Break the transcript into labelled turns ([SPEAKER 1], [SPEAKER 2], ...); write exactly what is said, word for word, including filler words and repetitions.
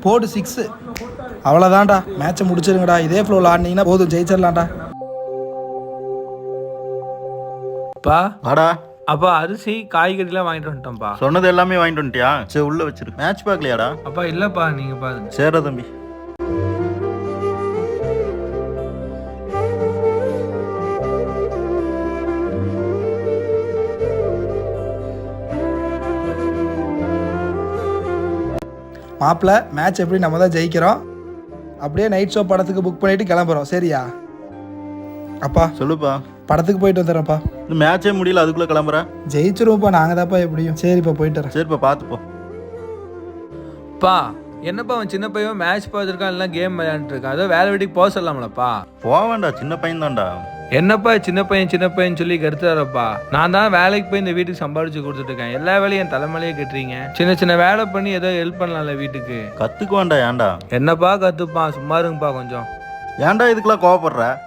[SPEAKER 1] போடு சிக்ஸு. அவ்வளோதான்டா, மேட்சை முடிச்சிருங்கடா. இதே ஃப்ளோவில் ஆடினீங்கன்னா போதும், ஜெயிச்சிடலாம்டா.
[SPEAKER 2] பா
[SPEAKER 3] வாடா.
[SPEAKER 2] அப்பா அரிசி காய்கறிலாம் வாங்கிட்டு வந்துட்டோம்ப்பா.
[SPEAKER 3] சொன்னது எல்லாமே வாங்கிட்டு வந்துட்டியா? சரி உள்ள வச்சிரு. மேட்ச் பார்க்கலையாடா?
[SPEAKER 2] அப்பா இல்லப்பா, நீங்க பாருங்க.
[SPEAKER 3] சரிடா தம்பி.
[SPEAKER 1] மாப்பிள்ள, மேட்ச் எப்படி நம்ம தான் ஜெயிக்கிறோம். அப்படியே நைட் ஷோ படத்துக்கு புக் பண்ணிட்டு கிளம்புறோம், சரியா? அப்பா
[SPEAKER 3] சொல்லுப்பா.
[SPEAKER 1] படத்துக்கு போயிட்டு வந்துடுறேன்ப்பா.
[SPEAKER 3] இந்த மேட்சே முடியல, அதுக்குள்ள கிளம்புற?
[SPEAKER 1] ஜெயிச்சிருவோம்ப்பா, நாங்கள் தான்ப்பா எப்படியும். சரிப்பா, போயிட்டு வரேன்.
[SPEAKER 3] சரிப்பா, பார்த்துப்போ.
[SPEAKER 2] பா என்னப்பா அவன் சின்ன பையன் மேட்ச் பார்த்துருக்கான், எல்லாம் கேம் விளையாண்டுட்டு இருக்கான். அதோ வேலை வீட்டுக்கு போக சொல்லலாம்லப்பா?
[SPEAKER 3] போவேண்டா, சின்ன பையன் தான்டா.
[SPEAKER 2] என்னப்பா சின்ன பையன் சின்ன பையன் சொல்லி கருத்துறாரப்பா. நான் தான் வேலைக்கு போய் இந்த வீட்டுக்கு சம்பாதிச்சு கொடுத்துட்டு இருக்கேன். எல்லா வேலையும் என் தலைமையிலேயே கட்டுறீங்க. சின்ன சின்ன வேலை பண்ணி ஏதோ ஹெல்ப் பண்ணலாம்ல வீட்டுக்கு.
[SPEAKER 3] கத்துக்குவான்டா. ஏன்டா?
[SPEAKER 2] என்னப்பா கத்துப்பான், சும்மா இருங்கப்பா கொஞ்சம்.
[SPEAKER 3] ஏன்டா இதுக்கெல்லாம் கோவப்படுற?